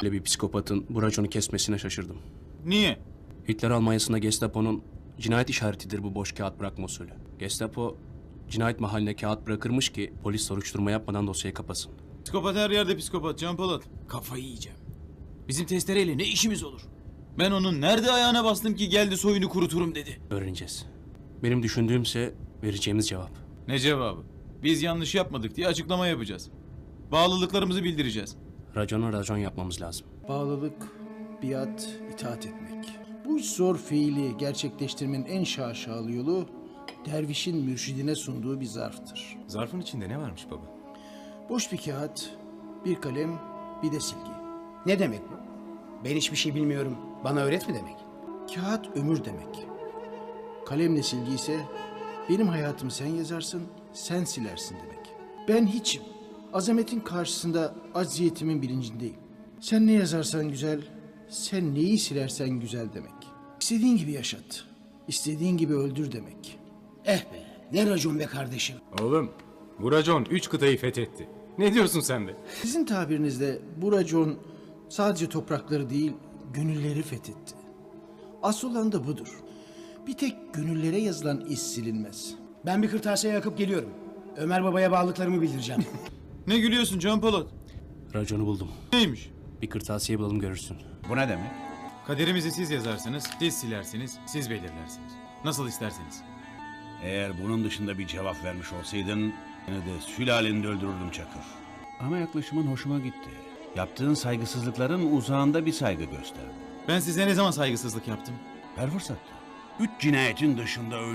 Böyle bir psikopatın bu raconu kesmesine şaşırdım. Niye? Hitler Almanya'sında Gestapo'nun cinayet işaretidir bu boş kağıt bırakma usulü. Gestapo cinayet mahalline kağıt bırakırmış ki polis soruşturma yapmadan dosyayı kapasın. Psikopat her yerde psikopat Can Polat. Kafayı yiyeceğim. Bizim testereyle ne işimiz olur? Ben onun nerede ayağına bastım ki geldi soyunu kuruturum dedi. Öğreneceğiz. Benim düşündüğümse vereceğimiz cevap. Ne cevabı? Biz yanlış yapmadık diye açıklama yapacağız. Bağlılıklarımızı bildireceğiz. Racona racon yapmamız lazım. Bağlılık, biat, itaat etmek. Bu üç zor fiili gerçekleştirmenin en şaşalı yolu dervişin mürşidine sunduğu bir zarftır. Zarfın içinde ne varmış baba? Boş bir kağıt, bir kalem, bir de silgi. Ne demek bu? Ben hiçbir şey bilmiyorum. Bana öğret mi demek? Kağıt ömür demek. Kalemle silgi ise benim hayatımı sen yazarsın, sen silersin demek. Ben hiçim. Azametin karşısında acziyetimin bilincindeyim. Sen ne yazarsan güzel, sen neyi silersen güzel demek. İstediğin gibi yaşat, istediğin gibi öldür demek. Eh be, ne racon be kardeşim. Oğlum, bu racon 3 kıtayı fethetti. Ne diyorsun sen de? Sizin tabirinizde bu racon sadece toprakları değil, gönülleri fethetti. Asıl olan da budur. Bir tek gönüllere yazılan iz silinmez. Ben bir kırtasiye yakıp geliyorum. Ömer babaya bağlılıklarımı bildireceğim. Ne gülüyorsun Can Polat? Raconu buldum. Neymiş? Bir kırtasiye bulalım görürsün. Bu ne demek? Kaderimizi siz yazarsınız, siz silersiniz, siz belirlersiniz. Nasıl isterseniz. Eğer bunun dışında bir cevap vermiş olsaydın yine de sülaleni öldürürdüm Çakır. Ama yaklaşımın hoşuma gitti. Yaptığın saygısızlıkların uzağında bir saygı gösterdi. Ben size ne zaman saygısızlık yaptım? Her fırsatta. 3 cinayetin dışında